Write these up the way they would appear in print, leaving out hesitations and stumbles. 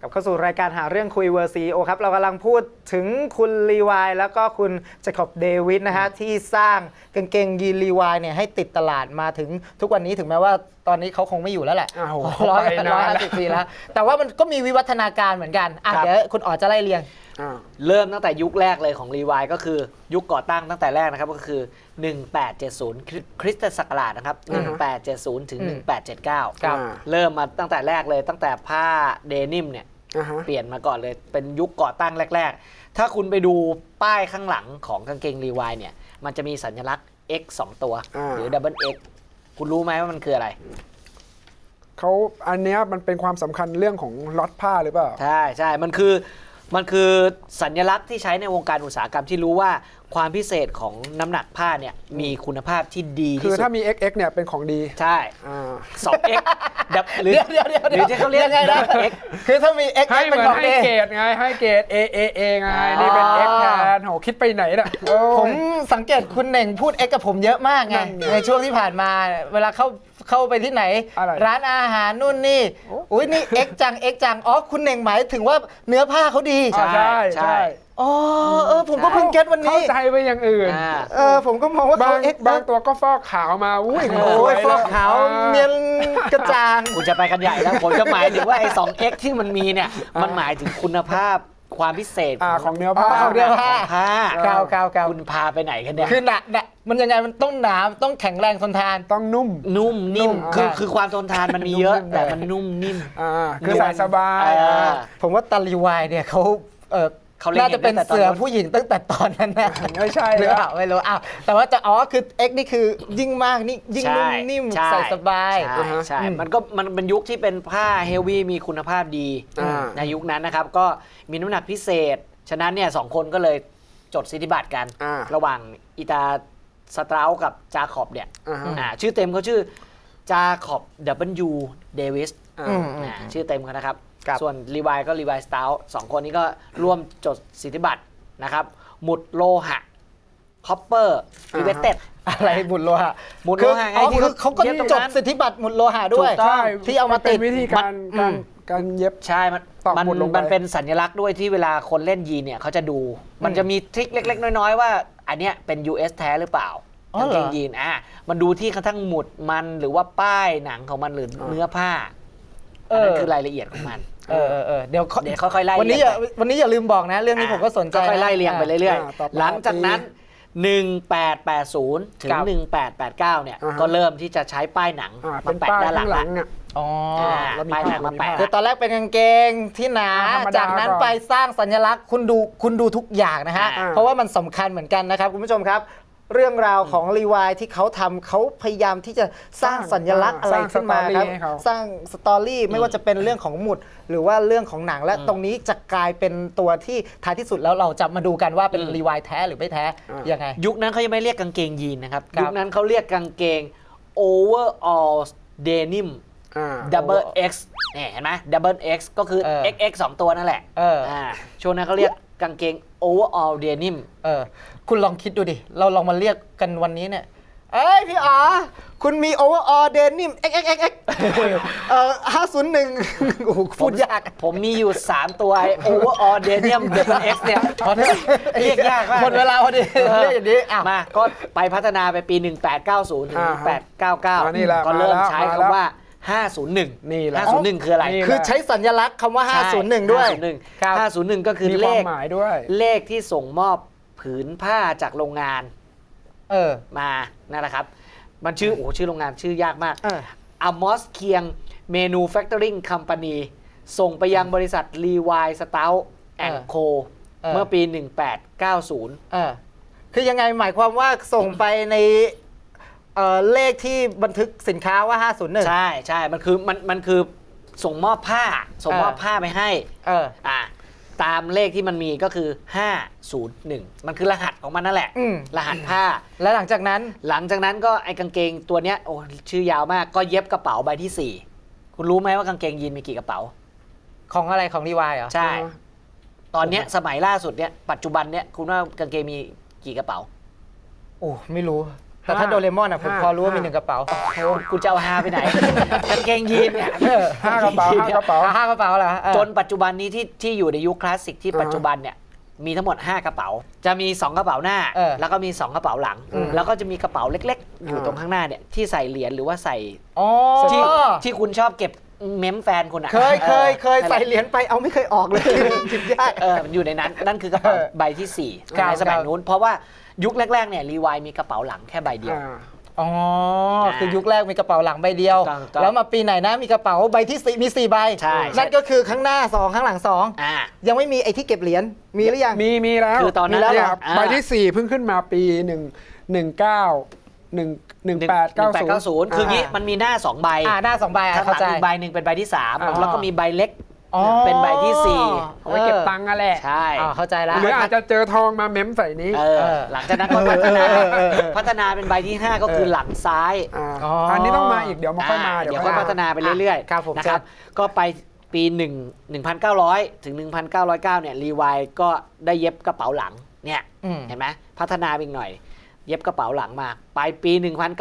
กลับเข้าสู่รายการหาเรื่องคุยเวอร์ซีโอครับเรากำลังพูดถึงคุณลีวายแล้วก็คุณเจคอบเดวิดนะฮะที่สร้างกางเกงยีนลีวายเนี่ยให้ติดตลาดมาถึงทุกวันนี้ถึงแม้ว่าตอนนี้เขาคงไม่อยู่แล้วแหละ150 ปีแล้วแต่ว่ามันก็มีวิวัฒนาการเหมือนกันเดี๋ยวคุณอ๋อจะไล่เรียงเริ่มตั้งแต่ยุคแรกเลยของรีวายก็คือยุคก่อตั้งตั้งแต่แรกนะครับก็คือ1870คริสตศักราชนะครับ1870ถึง1879เริ่มมาตั้งแต่แรกเลยตั้งแต่ผ้าเดนิมเนี่ยเปลี่ยนมาก่อนเลยเป็นยุคก่อตั้งแรกๆถ้าคุณไปดูป้ายข้างหลังของกางเกงรีวายเนี่ยมันจะมีสัญลักษณ์ X 2 ตัวหรือ Double X คุณรู้ไหมว่ามันคืออะไรเขาอันเนี้ยมันเป็นความสำคัญเรื่องของล็อตผ้าหรือเปล่าใช่มันคือสัญลักษณ์ที่ใช้ในวงการอุตสาหกรรมที่รู้ว่าความพิเศษของน้ำหนักผ้าเนี่ยมีคุณภาพที่ดีที่สุดคือถ้ามี XX เนี่ยเป็นของดีใช่2X หรือที่เขาเรียกไงนะ X คือถ้ามี X ให้เหมือนให้เกรดไงให้เกรด A ไงนี่เป็น X แทนโหคิดไปไหนน่ะผมสังเกตคุณเน่งพูด X กับผมเยอะมากไงในช่วงที่ผ่านมาเวลาเข้าไปที่ไหนร้านอาหารนู่นนี่อุ้ยนี่ X จังอ๋อคุณเน่งหมายถึงว่าเนื้อผ้าเขาดีใช่อ๋อผมก็เพิ่งเก็ตวันนี้เข้าใจไปอย่างอื่นผมก็มองว่าเขาบางตัวก็ฟอกขาวมาอุ้ยฟอกขาวเนียนกระจ่างคุณจะไปกันใหญ่แล้วผมจะหมายถึงว่าไอ้ 2X ที่มันมีเนี่ยมันหมายถึงคุณภาพความพิเศษของเนื้อผ้าคุณพาไปไหนกันเนี่ยคือหนักมันยังไงมันต้องหนาต้องแข็งแรงทนทานต้องนุ่มนิ่มคือความทนทานมันมีเยอะแต่มันนุ่มนิ่มคือใส่สบายผมว่าตาลีวายเนี่ยเขาน่าจะเป็นเสือผู้หญิงตั้งแต่ตอนนั้นนะไม่ใช่หรือเปล่าไม่รู้แต่ว่าคือ X นี่คือยิ่งมากนี่ยิ่งนุ่มนิ่มใส่สบายใช่มันเป็นยุคที่เป็นผ้าเฮฟวี่มีคุณภาพดีในยุคนั้นนะครับก็มีน้ำหนักพิเศษฉะนั้นเนี่ย2คนก็เลยจดสิทธิบัตรกันระหว่างอิตาสตรากับจาคอบเนี่ยชื่อเต็มเขาชื่อจาคอบ W. เดวิสชื่อเต็มเขานะครับส่วนรีวายก็รีวายสตาร์สองคนนี้ก็ร่วมจดสิทธิบัตรนะครับหมุดโลหะคอปเปอร์ริเวตเต็ดอะไรหมุดโลหะหมุดโลหะไงที่เขาก็จดสิทธิบัตรหมุดโลหะด้วยที่เอามาติดวิธีการเย็บใช่มันเป็นสัญลักษณ์ด้วยที่เวลาคนเล่นยีนเนี่ยเขาจะดูมันจะมีทริคเล็กๆน้อยๆว่าอันเนี้ยเป็น US แท้หรือเปล่ากางเกงยีนมันดูที่กระทั่งหมุดมันหรือว่าป้ายหนังของมันหรือเนื้อผ้านั่นคือรายละเอียดของมันเดี๋ยวค่อยๆไล่วันนี้อย่าลืมบอกนะเรื่องนี้ผมก็สนใจค่อยๆไล่เรียงไปเรื่อยๆหลังจากนั้น1880ถึง1889เนี่ยก็เริ่มที่จะใช้ป้ายหนังมาแปะด้านหลังป้ายหนังมาแปะคือตอนแรกเป็นกางเกงที่หนาจากนั้นไปสร้างสัญลักษณ์คุณดูทุกอย่างนะฮะเพราะว่ามันสำคัญเหมือนกันนะครับคุณผู้ชมครับเรื่องราวของรีวายที่เขาทำเขาพยายามที่จะสร้างสัญลักษณ์อะไรขึ้นมาครับสร้างสตอรี่ไม่ว่าจะเป็นเรื่องของหมุดหรือว่าเรื่องของหนังและตรงนี้จะกลายเป็นตัวที่ท้ายที่สุดแล้วเราจะมาดูกันว่าเป็นรีวายแท้หรือไม่แท้ยังไงยุคนั้นเขายังไม่เรียกกางเกงยีนนะครับยุคนั้นเขาเรียกกางเกง overall denim double X เนี่ยเห็นไหม double X ก็คือ XX 2 ตัวนั่นแหละช่วงนั้นเขาเรียกกางเกง overall denim คุณลองคิดดูดิเราลองมาเรียกกันวันนี้เนี่ยพี่อ๋อคุณมี overall denim XXX 501โอ้โหพูดยากผมมีอยู่3ตัว overall denim double X เนี่ยเรียกยากมากหมดเวลาพอดีเรียกอย่างนี้มาก็ไปพัฒนาไปปี1890ถึง1899ก็เริ่มใช้คำว่า501 นี่แหละ 501คืออะไรคือใช้สัญลักษณ์คำว่า501ด้วย 501ก็คือเลขที่ส่งมอบผืนผ้าจากโรงงานมานั่นแหละครับมันชื่อโรงงานชื่อยากมากAmos Kieng Manufacturing Company ส่งไปยังบริษัท Levi Strauss & Co เมื่อปี1890 คือยังไงหมายความว่าส่งไปในเลขที่บันทึกสินค้าว่า501 ใช่มันคือส่งมอบผ้าไปให้ตามเลขที่มันมีก็คือ501มันคือรหัสของมันนั่นแหละรหัสผ้าและหลังจากนั้นก็ไอ้กางเกงตัวเนี้ยโอ้ชื่อยาวมากก็เย็บกระเป๋าใบที่4คุณรู้ไหมว่ากางเกงยีนมีกี่กระเป๋าของอะไรของรีวายเหรอใช่ตอนเนี้ยสมัยล่าสุดเนี้ยปัจจุบันเนี้ยคุณว่ากางเกงมีกี่กระเป๋าโอ้ไม่รู้แต่ถ้าโดเรมอนผมพอรู้ว่ามี1กระเป๋าโอ้กูจะเอาฮาไปไหน กางเกงยีนเนี่ย 5 กระเป๋า 5 กระเป๋า 5กระเป๋าเหรอจนปัจจุบันนี้ที่อยู่ในยุคคลาสสิกที่ปัจจุบันเนี่ยมีทั้งหมด 5 กระเป๋า จะมี 2 กระเป๋าหน้า แล้วก็มี 2 กระเป๋าหลัง แล้วก็จะมีกระเป๋าเล็กๆ อยู่ตรงข้างหน้าเนี่ยที่ใส่เหรียญหรือว่าใส่ที่คุณชอบเก็บเมมแฟนคุณอ่ะเคยใส่เหรียญไปเอาไม่เคยออกเลยจิบยากมันอยู่ในนั้นนั่นคือกระเป๋าใบที่4ในสมัยนู้นเพราะว่ายุคแรกๆเนี่ยรีวายมีกระเป๋าหลังแค่ใบเดียวอ๋อคือยุคแรกมีกระเป๋าหลังใบเดียวแล้วมาปีไหนนะมีกระเป๋าใบที่4มี4ใบนั่นก็คือข้างหน้า2ข้างหลัง2ยังไม่มีไอ้ที่เก็บเหรียญมีหรือยังมีแล้วคือตอนนั้นใบที่4เพิ่งขึ้นมาปี1890 คืองี้มันมีหน้า2ใบหน้า2ใบข้างหลังอีกใบหนึ่งเป็นใบที่3แล้วก็มีใบเล็กเป็นใบที่4 เอาไว้เก็บตังค์อะแหละใช่เข้าใจแล้วหรืออาจจะเจอทองมาเม้มใส่นี้หลังจากนั้นก็พัฒนาเป็นใบที่5ก็คือหลังซ้ายอันนี้ต้องมาอีกเดี๋ยวมาค่อยมาเดี๋ยวก็พัฒนาไปเรื่อยๆนะครับก็ไปปี1900ถึง1909เนี่ยรีวายก็ได้เย็บกระเป๋าหลังเนี่ยเห็นไหมพัฒนาอีกหน่อยเย็บกระเป๋าหลังมาไปปี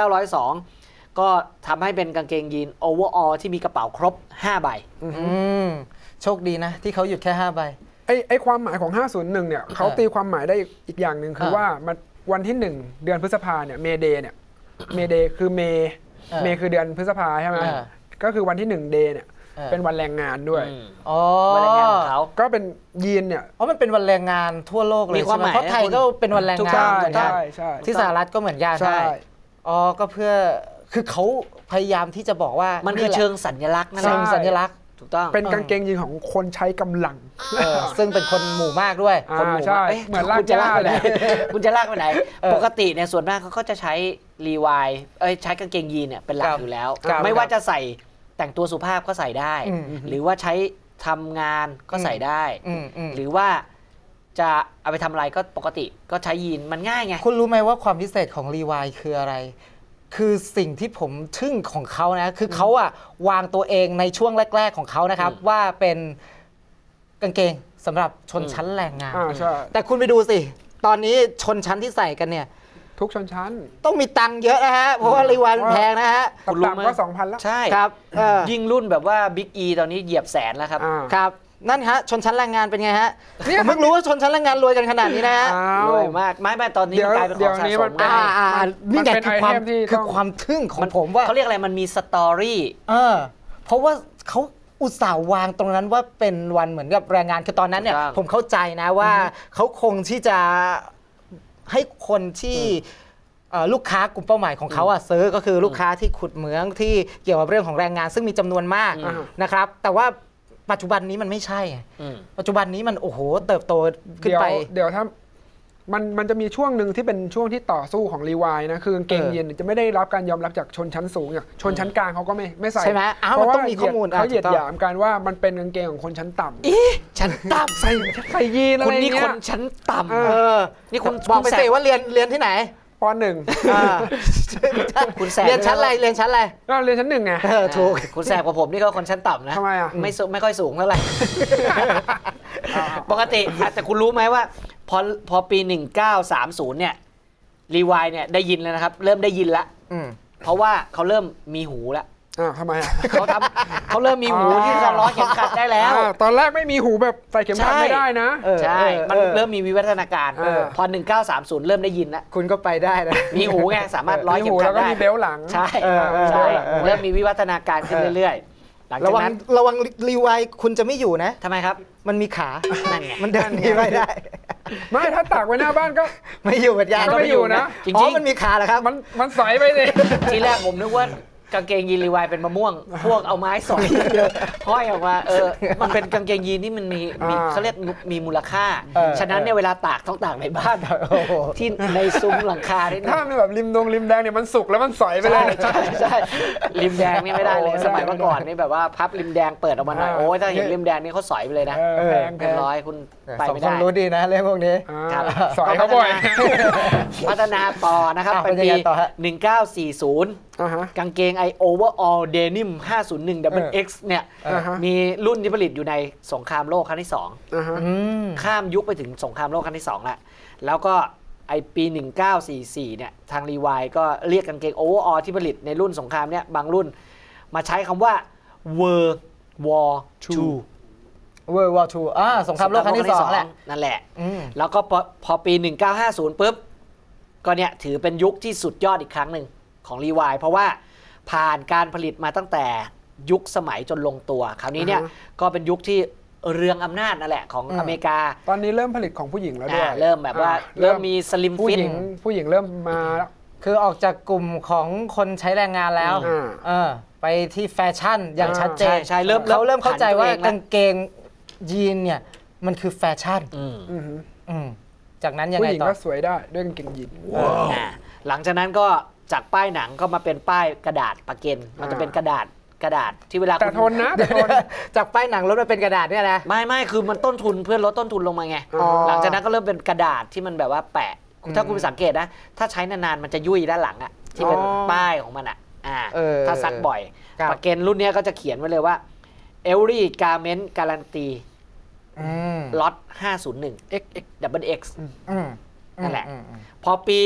1902ก็ทำให้เป็นกางเกงยีนโอเวอร์ออลที่มีกระเป๋าครบ5ใบโชคดีนะที่เขาหยุดแค่5ใบไอ้ความหมายของ501เนี่ยเขาตีความหมายได้อีกอย่างหนึ่งคือว่ามันวันที่1เดือนพฤษภาเนี่ยเมเดย์เนี่ยเมเดย์คือเมคือเดือนพฤษภาใช่ไหมก็คือวันที่1เดย์เนี่ยเป็นวันแรงงานด้วยวันแรงงานของเขาก็เป็นยีนเนี่ยมันเป็นวันแรงงานทั่วโลกเลยใช่ไหมเพราะไทยก็เป็นวันแรงงานเหมือนกันที่สหรัฐก็เหมือนกันใช่ก็เพื่อคือเขาพยายามที่จะบอกว่ามันคือเชิงสัญลักษณ์นั่นแหละสัญลักษณ์ถูกต้องเป็นกางเกงยีนของคนใช้กำลังซึ่งเป็นคนหมู่มากด้วยคนหมู่มากเหมือนลากย่าเลยคุณจะลากไปไหนปกติเนี่ยส่วนมากเขาก็จะใช้รีวายใช้กางเกงยีนเนี่ยเป็นหลักอยู่แล้วไม่ว่าจะใส่แต่งตัวสุภาพก็ใส่ได้หรือว่าใช้ทำงานก็ใส่ได้หรือว่าจะเอาไปทำอะไรก็ปกติก็ใช้ยีนมันง่ายไงคุณรู้ไหมว่าความพิเศษของรีวายคืออะไรคือสิ่งที่ผมทึ่งของเขานะคือเขาวางตัวเองในช่วงแรกๆของเขานะครับว่าเป็นกางเกงสำหรับชนชั้นแรงงานแต่คุณไปดูสิตอนนี้ชนชั้นที่ใส่กันเนี่ยทุกชนชั้นต้องมีตังค์เยอะนะฮะเพราะว่ารีวายแพงนะฮะต่ำก็ 2,000 แล้วใช่ครับยิ่งรุ่นแบบว่าบิ๊กอีตอนนี้เหยียบแสนแล้วครับครับนั่นฮะชนชั้นแรงงานเป็นไงฮะผมเพิ่งรู้ว่าชนชั้นแรงงานรวยกันขนาดนี้นะฮะรวยมากไม่ตอนนี้กลายเป็นของสะสมนี่ไงคือความทึ่งของผมว่าเขาเรียกอะไรมันมีสตอรี่เพราะว่าเขาอุตส่าห์วางตรงนั้นว่าเป็นวันเหมือนกับแรงงานคือตอนนั้นเนี่ยผมเข้าใจนะว่าเขาคงที่จะให้คนที่ลูกค้ากลุ่มเป้าหมายของเขาซื้อก็คือลูกค้าที่ขุดเหมืองที่เกี่ยวกับเรื่องของแรงงานซึ่งมีจำนวนมากนะครับแต่ว่าปัจจุบันนี้มันไม่ใช่ปัจจุบันนี้มันโอ้โหเติบโตขึ้นไปเดี๋ยวถ้ามันจะมีช่วงหนึ่งที่เป็นช่วงที่ต่อสู้ของรีวายนะคือกางเกงยีนจะไม่ได้รับการยอมรับจากชนชั้นสูงอย่างชนชั้นกลางเขาก็ไม่ใส่ใช่ไหมเพราะว่าเขาเหยียดหยามกันว่ามันเป็นกางเกงของคนชั้นต่ำชั้นต่ำใส่ยีนอะไรเงี้ยคุณนี่คนชั้นต่ำนี่คุณบอกไปสิว่าเรียนที่ไหนป.1 คุณแสบเรียนชั้นอะไรก็เรียนชั้น1ไงถูกคุณแสบกว่าผมนี่ก็คนชั้นต่ำนะทำไมไม่ค่อยสูงเท่าไหร่ปกติแต่คุณรู้ไหมว่าพอปี1930เนี่ยรีวายเนี่ยได้ยินแล้วนะครับเริ่มได้ยินแล้วเพราะว่าเขาเริ่มมีหูแล้วทำไมเขาเริ่มมีหูที่จะล้อเข็มขัดได้แล้วตอนแรกไม่มีหูแบบใส่เข็มขัดไม่ได้นะใช่มันเริ่มมีวิวัฒนาการพอ1930เริ่มได้ยินแล้วคุณก็ไปได้นะมีหูไงสามารถล้อเข็มขัดได้แล้วก็มีเบลหลังใช่เริ่มมีวิวัฒนาการขึ้นเรื่อยๆหลังจากนั้นระวังรีวายคุณจะไม่อยู่นะทำไมครับมันมีขานั่นไงมันเดินหนีไม่ได้ไม่ถ้าตากไว้หน้าบ้านก็ไม่อยู่เหมือนกันก็ไม่อยู่นะจริงๆมันมีขาเหรอครับมันสอยไปเลยทีแรกผมนึกว่ากางเกงยีนรีวายเป็นมะม่วงพวกเอาไม้สอยห้อยออกมามันเป็นกางเกงยีนที่มันมีเขาเรียกมีมูลค่าฉะนั้นเนี่ยเวลาตากต้องตากในบ้านที่ในซุ้มหลังคาที่ถ้ามันแบบริมแดงเนี่ยมันสุกแล้วมันสอยไปเลยใช่ริมแดงนี่ไม่ได้เลยสมัยเมื่อก่อนนี่แบบว่าพับริมแดงเปิดออกมาหน่อยโอ้ยถ้าเห็นริมแดงนี่เขาสอยไปเลยนะเป็นร้อยคุณไปไม่ได้รู้ดีนะเรื่องพวกนี้สอยเขาบ่อยพัฒนาต่อนะครับเป็นปี1940กางเกงOverall Denim 501 Double X เนี่ยมีรุ่นที่ผลิตอยู่ในสงครามโลกครั้งที่2ข้ามยุคไปถึงสงครามโลกครั้งที่2แล้วก็ไอปี 1944 เนี่ยทางรีวายก็เรียกกางเกงโอเวอร์ออที่ผลิตในรุ่นสงครามเนี่ยบางรุ่นมาใช้คำว่า World War II World War II สงครามโลกครั้งที่ 2แหละนั่นแหละแล้วก็พอปี 1950 ปุ๊บก็เนี่ยถือเป็นยุคที่สุดยอดอีกครั้งหนึ่งของรีวายเพราะว่าผ่านการผลิตมาตั้งแต่ยุคสมัยจนลงตัวคราวนี้เนี่ยก็เป็นยุคที่เรืองอำนาจนั่นแหละของอเมริกาตอนนี้เริ่มผลิตของผู้หญิงแล้วด้วยเริ่มแบบว่าเริ่มมีสลิมฟิตผู้หญิงเริ่มมาแล้วคือออกจากกลุ่มของคนใช้แรงงานแล้วไปที่แฟชั่นอย่างชัดเจนใช่เขาเริ่มเข้าใจว่ากางเกงยีนเนี่ยมันคือแฟชั่นจากนั้นยังไงต่อผู้หญิงก็สวยได้ด้วยกางเกงยีนหลังจากนั้นก็จากป้ายหนังก็มาเป็นป้ายกระดาษปะเก็นมันจะเป็นกระดาษที่เวลาแต่ทนนะจากป้ายหนังลดมาเป็นกระดาษเนี่ยนะไม่คือมันต้นทุนเพื่อลดต้นทุนลงมาไงหลังจากนั้นก็เริ่มเป็นกระดาษที่มันแบบว่าแปะถ้าคุณสังเกตนะถ้าใช้นานๆมันจะยุ่ยด้านหลังอะที่เป็นป้ายของมันอะถ้าซักบ่อยปะเก็นรุ่นนี้ก็จะเขียนไว้เลยว่า Every Garment Guarantee ล็อต501 XX นั่นแหละพอปี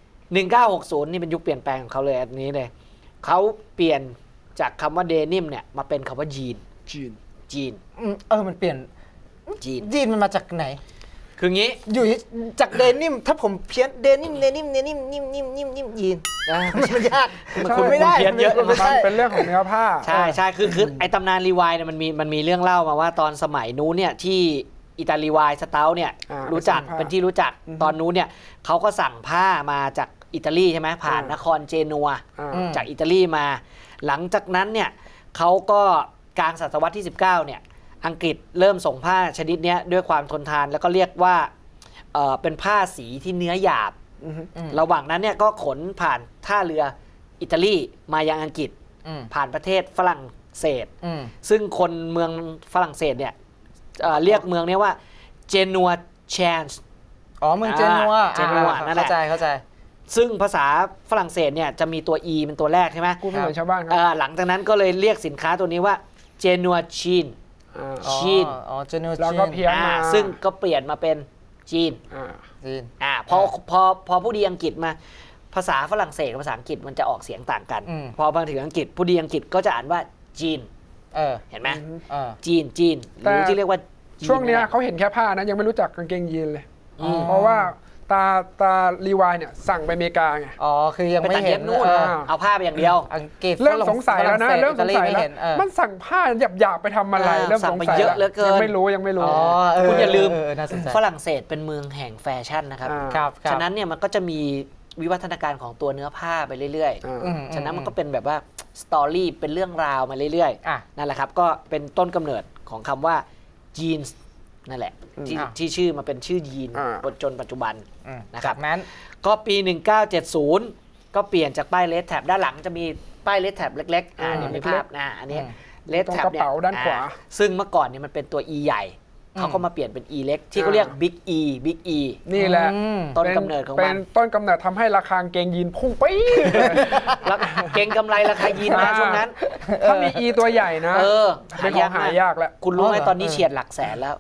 1960 นี่เป็นยุคเปลี่ยนแปลงของเขาเลยอันนี้เลยเขาเปลี่ยนจากคำว่าเดนิมเนี่ยมาเป็นคำว่าจีนมันเปลี่ยนจีนมันมาจากไหนคืองี้อยู่จากเดนิมถ้าผมเพี้ยนเดนิมยีนมันยากคุณไม่ได้เพี้ยนเยอะมันเป็นเรื่องของเนื้อผ้าใช่คือไอตำนานรีวายเนี่ยมันมีเรื่องเล่ามาว่าตอนสมัยนู้นเนี่ยที่อิตาลีวายสเตาเนี่ยรู้จักเป็นที่รู้จักตอนนู้นเนี่ยเขาก็สั่งผ้ามาจากอิตาลีใช่ไหมผ่านนครเจนัวจากอิตาลีมาหลังจากนั้นเนี่ยเขาก็กลางศตวรรษที่ 19เนี่ยอังกฤษเริ่มส่งผ้าชนิดนี้ด้วยความทนทานแล้วก็เรียกว่าเป็นผ้าสีที่เนื้อหยาบระหว่างนั้นเนี่ยก็ขนผ่านท่าเรืออิตาลีมายังอังกฤษผ่านประเทศฝรั่งเศสซึ่งคนเมืองฝรั่งเศสเนี่ยเรียกเมืองนี้ว่าเจนัวแชนส์เมืองเจนัวนั่นแหละเข้าใจซึ่งภาษาฝรั่งเศสเนี่ยจะมีตัว e เป็นตัวแรกใช่ไหมกูไม่เหมือนชาวบ้านครับหลังจากนั้นก็เลยเรียกสินค้าตัวนี้ว่าเจนัวชีนเจนัวแล้วก็เพี้ยนมาซึ่งก็เปลี่ยนมาเป็นจีนพอผู้ดีอังกฤษมาภาษาฝรั่งเศสกับภาษาอังกฤษมันจะออกเสียงต่างกันพอมาถึงอังกฤษผู้ดีอังกฤษก็จะอ่านว่าจีนเห็นไหมจีนหรือที่เรียกว่าช่วงนี้เขาเห็นแค่ผ้านะยังไม่รู้จักกางเกงยีนเลยเพราะว่าตารีวายเนี่ยสั่งไปอเมริกาไงคือยังไม่เห็นนู่นเอาผ้าไปอย่างเดียวอังกฤษเริ่มสงสัยแล้วนะเริ่มสงสัยแล้วมันสั่งผ้าหยาบๆไปทำอะไรเริ่มสงสัยเยอะเหลือเกินยังไม่รู้คุณอย่าลืมฝรั่งเศสเป็นเมืองแห่งแฟชั่นนะครับฉะนั้นเนี่ยมันก็จะมีวิวัฒนาการของตัวเนื้อผ้าไปเรื่อยๆฉะนั้นมันก็เป็นแบบว่าสตอรี่เป็นเรื่องราวมาเรื่อยๆนั่นแหละครับก็เป็นต้นกำเนิดของคำว่าจีนส์นั่นแหละที่ชื่อมาเป็นชื่อยีนจนปัจจุบันนะครับนั้นก็ปี 1970 ก็เปลี่ยนจากป้ายเลสแท็บด้านหลังจะมีป้ายเลสแท็บเล็กๆนี่มีภาพอันนี้เลสแท็บเนี่ยด้านขวาซึ่งเมื่อก่อนเนี่ยมันเป็นตัว E ใหญ่เขาก็มาเปลี่ยนเป็น E เล็กที่เขาเรียก Big E นี่แหละต้นกำเนิดของมันเป็นต้นกำเนิดทำให้ราคาเกงยีนพุ่งไปแล้วเกงกำไรราคายีนมาช่วงนั้นถ้ามี E ตัวใหญ่นะเป็นของหายากแล้วคุณรู้ไหมตอนนี้เฉียดหลักแสนแล้ว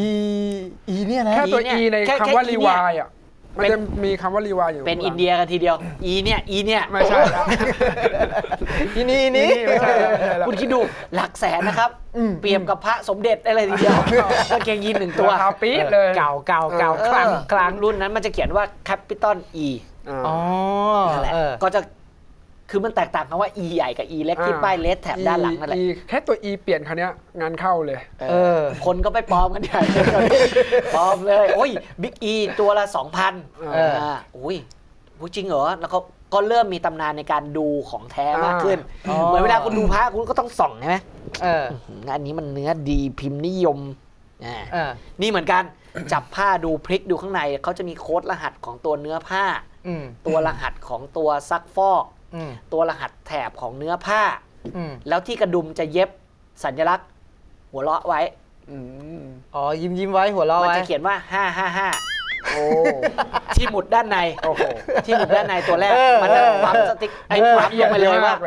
E เนี่ยนะแค่ตัว E ในคำว่ารีวายมันจะมีคำว่ารีวายอยู่เป็นอินเดียกันทีเดียว E เนี่ยไม่ใช่อีนี่ไม่ใช่คุณคิดดูหลักแสนนะครับเปรียบกับพระสมเด็จอะไรทีเดียวกางเกงยีน1ตัวปี๊ดเลยเก่าครั้งรุ่นนั้นมันจะเขียนว่า Capital E นั่นแหละก็จะคือมันแตกต่างกันว่า E ใหญ่กับ E เล็กที่ป้ายเลสแท็บด้านหลังนั่นแหละแค่ตัว E เปลี่ยนคราวนี้งานเข้าเลยคนก็ไปปลอมกันใหญ่ปลอมเลยโอ้ย Big E ตัวละ 2,000อุ้ยจริงเหรอแล้วก็เริ่มมีตำนานในการดูของแท้มากขึ้นเหมือนเวลาคุณดูพระคุณก็ต้องส่องใช่ไหมอันนี้มันเนื้อดีพิมพ์นิยมนี่เหมือนกันจับผ้าดูพลิกดูข้างในเขาจะมีโค้ดรหัสของตัวเนื้อผ้าตัวรหัสของตัวซักฟอกตัวรหัสแถบของเนื้อผ้าแล้วที่กระดุมจะเย็บสัญลักษณ์หัวเราะไว้ยิ้มไว้หัวเราะไว้มันจะเขียนว่าโอ้ที่หมุดด้านในโอ้โหที่หมุดด้านในตัวแรกมันจะปั๊มสติ๊กไอ้ปั๊มลงไปเลยว่า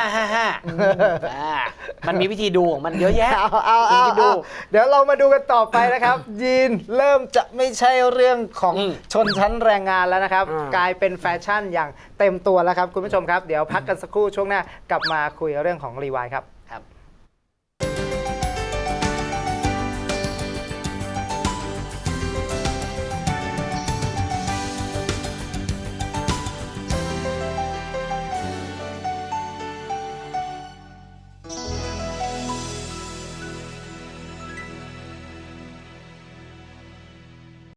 555มันมีวิธีดูของมันเยอะแยะเอาเดี๋ยวเรามาดูกันต่อไปนะครับ ยีนเริ่มจะไม่ใช่เรื่องของชนชั้นแรงงานแล้วนะครับ กลายเป็นแฟชั่นอย่างเต็มตัวแล้วครับคุณผู้ชมครับเดี๋ยวพักกันสักครู่ช่วงหน้ากลับมาคุยเรื่องของรีวายครับ